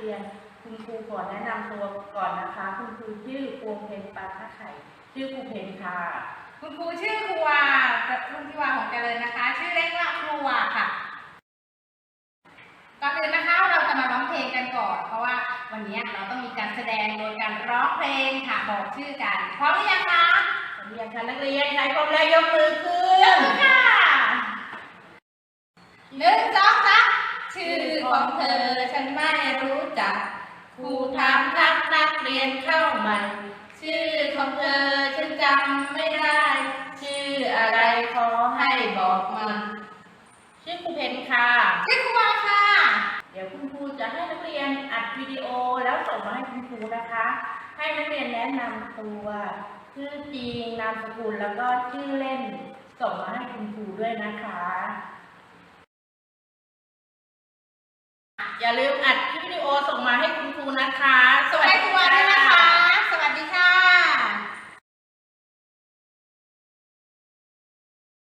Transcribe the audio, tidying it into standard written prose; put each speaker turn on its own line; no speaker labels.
รียนคุณครูขอแนะนำตัวก่อนนะคะคุณครูชื่อพวงเพ็ญปาท่าไข่ชื่อครูเพ็ญค่ะ
คุณครูชื่อครูวาคุณครูวาของเจริญนะคะชื่อเล่นว่าครูวาค่ะก่อนอื่นนะคะเราจะมาร้องเพลงกันก่อนเพราะว่าวันนี้เราต้องมีการแสดงโดยการร้องเพลงค่ะบอกชื่อกันพร้อมหรือยังคะ
พร้อมยังคะนักเรียนใครพร้อมแล้วยกมือขึ้น
ยกมือค่ะ1 2 3ชื่อของเธอฉันไม่รู้จัก
ครูถามทักนักเรียนเข้าใหม่ชื่อของเธอฉันจำไม่ได้ชื่ออะไรขอให้บอกมาชื่อครูเพ็ญค่ะ
ชื่อครูวาค่ะ
เดี๋ยวคุณครูจะให้นักเรียนอัดวิดีโอแล้วส่งมาให้คุณครูนะคะให้นักเรียนแนะนำตัวชื่อจริงนามสกุลแล้วก็ชื่อเล่นส่งมาให้คุณครูด้วยนะคะอย่าลืมอัดคลิปวิดีโอส่งมาให้คุณครูนะคะ
ส่งให้ครูวาด้วยนะคะ